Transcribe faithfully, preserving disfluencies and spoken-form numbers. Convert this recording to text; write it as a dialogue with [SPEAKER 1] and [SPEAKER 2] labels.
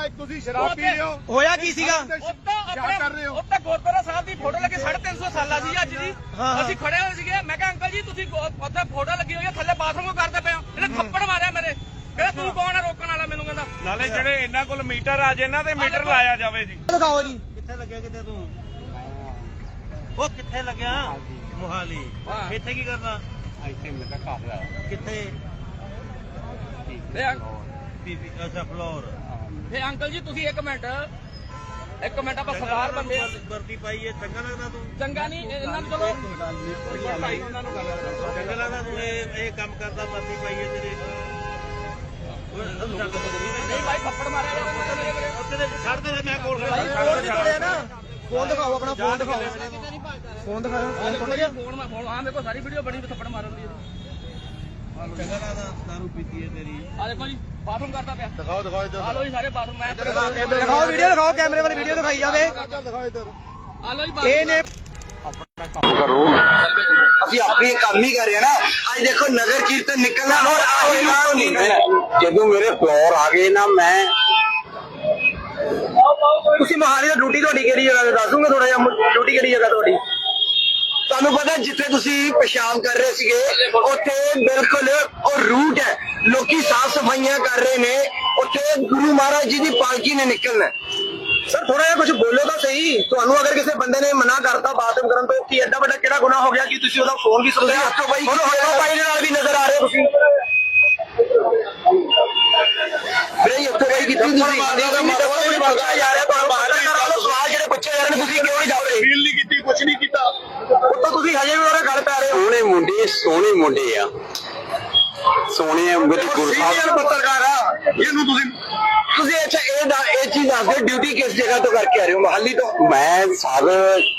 [SPEAKER 1] ਤੁਸੀਂ ਸ਼ਰਾਬ ਪੀ ਰਹੇ ਹੋ।
[SPEAKER 2] ਹੋਇਆ ਕੀ ਸੀਗਾ?
[SPEAKER 1] ਕਿਆ ਕਰ ਰਹੇ ਹੋ?
[SPEAKER 3] ਉੱਤੇ ਗੁਰਦੁਆਰਾ ਸਾਹਿਬ ਦੀ ਫੋਟੋ ਲੱਗੀ ਸਾਢੇ ਤਿੰਨ ਸੌ ਸਾਲਾਂ ਸੀ ਅੱਜ ਦੀ। ਅਸੀਂ ਖੜੇ ਹੋਏ ਸੀਗੇ, ਮੈਂ ਕਿਹਾ ਅੰਕਲ ਜੀ ਤੁਸੀਂ ਉੱਥੇ ਫੋਟੋ ਲੱਗੀ ਹੋਈ ਹੈ ਥੱਲੇ ਬਾਥਰੂਮ ਕਰਦੇ ਪਏ ਹੋ। ਇਹਨੇ ਥੱਪੜ ਮਾਰਿਆ ਮੇਰੇ। ਕਹਿੰਦਾ ਤੂੰ ਕੌਣ ਹੈ ਰੋਕਣ ਵਾਲਾ? ਮੈਨੂੰ ਕਹਿੰਦਾ
[SPEAKER 4] ਨਾਲੇ ਜਿਹੜੇ ਇਹਨਾਂ ਕੋਲ ਮੀਟਰ ਆ ਜੇ ਇਹਨਾਂ ਤੇ ਮੀਟਰ ਲਾਇਆ ਜਾਵੇ ਜੀ।
[SPEAKER 2] ਦਿਖਾਓ ਜੀ।
[SPEAKER 5] ਕਿੱਥੇ ਲੱਗਿਆ? ਕਿੱਥੇ ਤੂੰ ਉਹ ਕਿੱਥੇ ਲੱਗਿਆ? ਮੋਹਾਲੀ। ਇੱਥੇ ਕੀ ਕਰਦਾ?
[SPEAKER 1] ਇੱਥੇ ਮੇਰਾ ਘਰ ਆ।
[SPEAKER 5] ਕਿੱਥੇ? ਪੀਪੀ ਅੱਛਾ ਫਲੋਰ।
[SPEAKER 3] ਫੇ ਅੰਕਲ ਜੀ ਤੁਸੀਂ ਇੱਕ ਮਿੰਟ ਇੱਕ ਮਿੰਟ ਆਪਾਂ ਸਰਦਾਰ ਬੰਦੇ
[SPEAKER 5] ਵਰਦੀ ਪਾਈ ਹੈ, ਚੰਗਾ ਲੱਗਦਾ ਤੂੰ?
[SPEAKER 3] ਚੰਗਾ ਨਹੀਂ ਇਹਨਾਂ ਨੂੰ ਚਲੋ
[SPEAKER 5] ਚੰਗਾ ਲੱਗਦਾ ਤੂੰ ਇਹ ਇਹ ਕੰਮ ਕਰਦਾ? ਵਰਦੀ ਪਾਈ ਹੈ ਤੇਰੇ।
[SPEAKER 3] ਨਹੀਂ ਭਾਈ ਥੱਪੜ ਮਾਰਿਆ
[SPEAKER 5] ਉੱਥੇ ਛੱਡ ਦੇ, ਮੈਂ ਕੋਲ
[SPEAKER 2] ਭਾਈ ਫੋਨ ਨਹੀਂ ਤੋੜਿਆ ਨਾ। ਫੋਨ ਦਿਖਾਓ ਆਪਣਾ, ਫੋਨ ਦਿਖਾਓ। ਫੋਨ ਦਿਖਾਓ। ਫੋਨ ਟੁੱਟ ਗਿਆ?
[SPEAKER 3] ਫੋਨ ਮੈਂ ਫੋਨ ਹਾਂ ਮੇਰੇ ਕੋਲ ਸਾਰੀ ਵੀਡੀਓ ਬਣੀ ਥੱਪੜ ਮਾਰਨ ਦੀ।
[SPEAKER 5] ਚੰਗਾ ਲੱਗਦਾ? ਦਾਰੂ ਪੀਤੀ ਹੈ ਤੇਰੀ।
[SPEAKER 3] ਆ ਦੇਖੋ ਜੀ ਬਾਥਰੂਮ ਕਰਦਾ ਪਿਆ।
[SPEAKER 1] ਦਿਖਾਓ ਦਿਖਾਓ ਇੱਧਰ।
[SPEAKER 3] ਆ ਲੋ ਜੀ ਸਾਰੇ ਬਾਥਰੂਮ ਮੈਂ
[SPEAKER 2] ਦਿਖਾਓ ਵੀਡੀਓ, ਦਿਖਾਓ ਕੈਮਰੇ ਵਾਲੀ ਵੀਡੀਓ ਦਿਖਾਈ ਜਾਵੇ।
[SPEAKER 1] ਦਿਖਾਓ ਇੱਧਰ।
[SPEAKER 3] ਆ ਲੋ ਜੀ
[SPEAKER 2] ਇਹ ਨੇ
[SPEAKER 6] ਅਸੀਂ ਆਪਣੀ ਕੰਮ ਹੀ ਕਰ ਰਹੇ ਨਾ। ਅੱਜ ਦੇਖੋ ਨਗਰ ਕੀਰਤਨ ਨਿਕਲਣਾ ਹੋਰ ਆਹੀ ਨਾਮ ਨਹੀਂ। ਜਦੋਂ ਮੇਰੇ ਫਲੋਰ ਆ ਗਏ ਨਾ, ਮੈਂ ਤੁਸੀਂ ਮਹਾਲੀ ਦਾ ਡਿਊਟੀ ਤੁਹਾਡੀ ਕਿਹੜੀ ਜਗ੍ਹਾ ਤੇ ਦੱਸ ਦੂੰਗੇ ਥੋੜਾ ਜਿਹਾ? ਡਿਊਟੀ ਕਿਹੜੀ ਜਗ੍ਹਾ ਤੁਹਾਡੀ? ਤੁਹਾਨੂੰ ਪਤਾ ਜਿੱਥੇ ਤੁਸੀਂ ਪਿਸ਼ਾਬ ਕਰ ਰਹੇ ਸੀਗੇ ਉੱਥੇ ਬਿਲਕੁਲ ਉਹ ਰੂਟ ਹੈ, ਲੋਕੀ ਸਾਫ ਸਫਾਈਆਂ ਕਰ ਰਹੇ ਨੇ। ਉੱਥੇ ਗੁਰੂ ਮਹਾਰਾਜ ਜੀ ਦੀ ਪਾਲਕੀ ਨੇ ਨਿਕਲਣਾ। ਸਰ ਥੋੜਾ ਜਿਹਾ ਕੁਝ ਬੋਲੋ ਤਾਂ ਸਹੀ। ਤੁਹਾਨੂੰ ਅਗਰ ਕਿਸੇ ਬੰਦੇ ਨੇ ਮਨਾ ਕਰਤਾ ਬਾਥਰੂਮ ਕਰਨ ਤੋਂ, ਕੀ ਐਡਾ ਵੱਡਾ ਕਿਹੜਾ ਗੁਨਾਹ ਹੋ ਗਿਆ ਕਿ ਤੁਸੀਂ ਉਹਦਾ ਫੋਨ ਵੀ ਸੁਣਦੇ? ਹੱਥੋਂ ਬਾਈ ਬਾਈ ਦੇ ਨਾਲ ਵੀ ਨਜ਼ਰ ਆ ਰਹੇ ਤੁਸੀਂ। ਵੀਰੇ ਹੱਥੋਂ ਬਾਈ ਕੀਤੀ ਤੁਸੀਂ ਜਾ ਰਿਹਾ ਤੁਹਾਨੂੰ ਬਾਹਰ ਸਵਾਲ ਜਿਹੜੇ ਪੁੱਛੇ ਜਾ ਰਹੇ ਨੇ, ਤੁਸੀਂ ਕਿਉਂ ਨਹੀਂ ਜਾ ਰਹੇ?
[SPEAKER 1] ਫੀਲ ਨਹੀਂ ਕੀਤੀ, ਕੁਝ ਨਹੀਂ ਕੀਤਾ।
[SPEAKER 6] ਉੱਤੋਂ ਤੁਸੀਂ ਹਜੇ ਵੀ ਉਹਦੇ ਗੱਲ ਪੈ ਰਹੇ ਹੋ। ਸੋਹਣੇ ਮੁੰਡੇ ਸੋਹਣੇ ਮੁੰਡੇ ਆ, ਸੋਹਣੇ ਗੁਰੂ ਸਾਹਿਬ ਪੱਤਰਕਾਰ ਆ। ਇਹਨੂੰ ਤੁਸੀਂ ਤੁਸੀਂ ਅੱਛਾ ਇਹ ਇਹ ਚੀਜ਼ ਦੱਸ ਦਿਓ, ਡਿਊਟੀ ਕਿਸ ਜਗ੍ਹਾ ਤੋਂ ਕਰਕੇ ਆ ਰਹੇ ਹੋ? ਮੋਹਾਲੀ ਤੋਂ? ਮੈਂ ਸਰ